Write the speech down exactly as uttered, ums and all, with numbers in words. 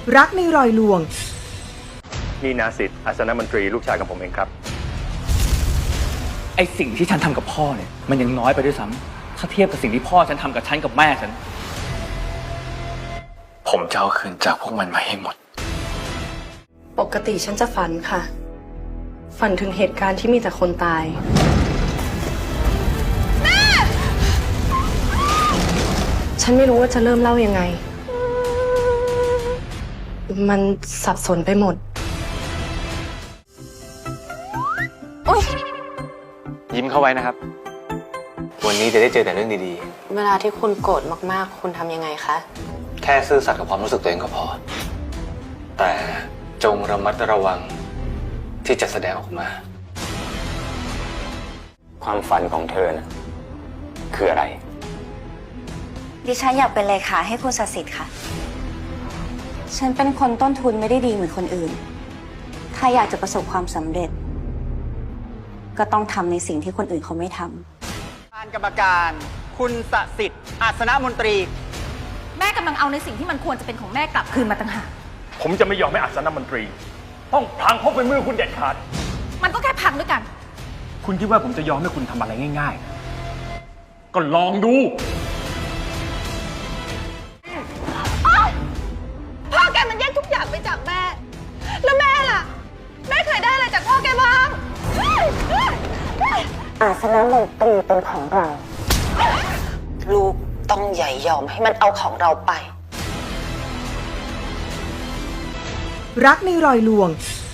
รักในรอยลวงนี่นาสิทธิ์อาสนมนตรีลูกชายของผมเองครับไอสิ่งที่ฉันทำกับพ่อเนี่ยมันยังน้อยไปด้วยซ้ำถ้าเทียบกับสิ่งที่พ่อฉันทำกับฉันกับแม่ฉันผมจะเอาคืนจากพวกมันมาให้หมดปกติฉันจะฝันค่ะฝันถึงเหตุการณ์ที่มีแต่คนตายแม่ฉันไม่รู้ว่าจะเริ่มเล่ายังไงมันสับสนไปหมดยิ้มเข้าไว้นะครับวันนี้จะได้เจอแต่เรื่องดีเวลาที่คุณโกรธมากๆคุณทำยังไงคะๆแค่ซื่อสัตย์กับความรู้สึกตัวเองก็พอแต่จงระมัดระวังที่จะแสดงออกมาความฝันของเธอนะคืออะไรดิฉันอยากเป็นเลขาให้คุณศักดิ์สิทธิ์ค่ะฉันเป็นคนต้นทุนไม่ได้ดีเหมือนคนอื่นถ้าอยากจะประสบความสำเร็จก็ต้องทำในสิ่งที่คนอื่นเขาไม่ทำการกรรมการคุณศักดิ์สิทธิ์อาสนมนตรีแม่กำลังเอาในสิ่งที่มันควรจะเป็นของแม่กลับคืนมาต่างหากผมจะไม่ยอมให้อาสนมนตรีต้องพลังพกเป็นมือคุณเด็ดขาดมันก็แค่พังด้วยกันคุณคิดว่าผมจะยอมให้คุณทำอะไรง่ายๆก็ลองดูพ่อแกมันแย่งทุกอย่างไปจากแม่แล้วแม่ล่ะแม่เคยได้อะไรจากพ่อแกบ้างอาสนมนตรีเป็นของเราลูกต้องใหญ่ยอมให้มันเอาของเราไปรักในรอยลวง